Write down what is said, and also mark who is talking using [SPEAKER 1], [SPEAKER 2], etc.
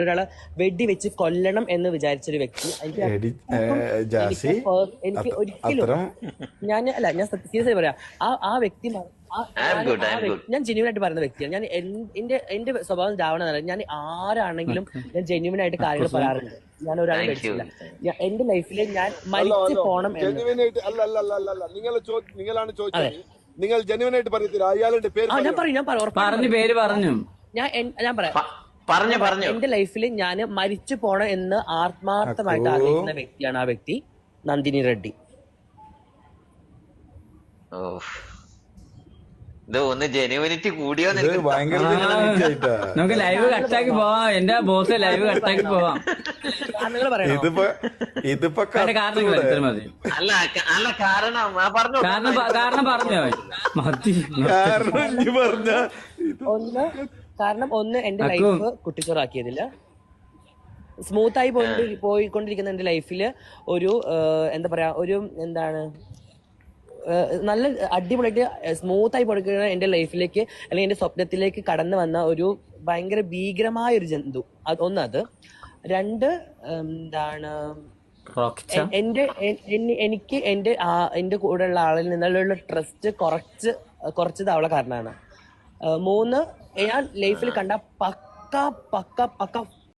[SPEAKER 1] ഒരാളെ വെടി വെച്ച് കൊല്ലണം എന്ന് വിചാരിച്ചൊരു വ്യക്തി. എനിക്ക് ഒരിക്കലും ഞാൻ സീരിയസ് പറയാം, ആ വ്യക്തി ഞാൻ ജെന്യൂൻ ആയിട്ട് പറയുന്ന വ്യക്തിയാണ്. ഞാൻ എന്റെ സ്വഭാവം രാവണ, ഞാൻ ആരാണെങ്കിലും ഞാൻ ജെന്യൂൻ ആയിട്ട് കാര്യങ്ങൾ പറയാറുണ്ട്. ഞാൻ ഒരാളെ മേടിച്ചില്ല. എന്റെ ലൈഫിൽ ഞാൻ മരിച്ചു പോണം.
[SPEAKER 2] നിങ്ങളാണ് ചോദിച്ചത്, നിങ്ങൾ ജെന്യൂൻ ആയിട്ട് പറയത്തില്ല. അയാളുടെ പേര്
[SPEAKER 1] ഞാൻ പറയാം. എന്റെ ലൈഫിൽ ഞാൻ മരിച്ചു പോണം എന്ന് ആത്മാർത്ഥമായിട്ട് ആഗ്രഹിക്കുന്ന വ്യക്തിയാണ് ആ വ്യക്തി, നന്ദിനി റെഡ്ഡി.
[SPEAKER 3] ഒന്ന് ജെനുവിനിറ്റി കൂടിയോ?
[SPEAKER 4] നമുക്ക് ലൈവ് കട്ടാക്കി പോവാം. എന്റെ ബോസ് ലൈവ് കട്ടാക്കി പോവാം. കാരണം പറഞ്ഞോ
[SPEAKER 1] ഒന്ന് എന്റെ ലൈഫ് കുട്ടിച്ചോറാക്കിയതില്ല. സ്മൂത്തായി പോയിക്കൊണ്ടിരിക്കുന്ന എന്റെ ലൈഫില് ഒരു എന്താ പറയാ, ഒരു എന്താണ് നല്ല അടിപൊളിയായിട്ട് സ്മൂത്തായി പോയിക്കുന്ന എന്റെ ലൈഫിലേക്ക് അല്ലെങ്കിൽ എന്റെ സ്വപ്നത്തിലേക്ക് കടന്നു വന്ന ഒരു ഭയങ്കര ഭീകരമായ ഒരു ജന്തു. അത് രണ്ട് എന്താണ്, എനിക്ക് എന്റെ കൂടെയുള്ള ആളിൽ നിന്നുള്ള ട്രസ്റ്റ് കുറച്ചത് അവളെ കാരണമാണ്. 3, ഞാൻ ലൈഫിൽ കണ്ട പക്ക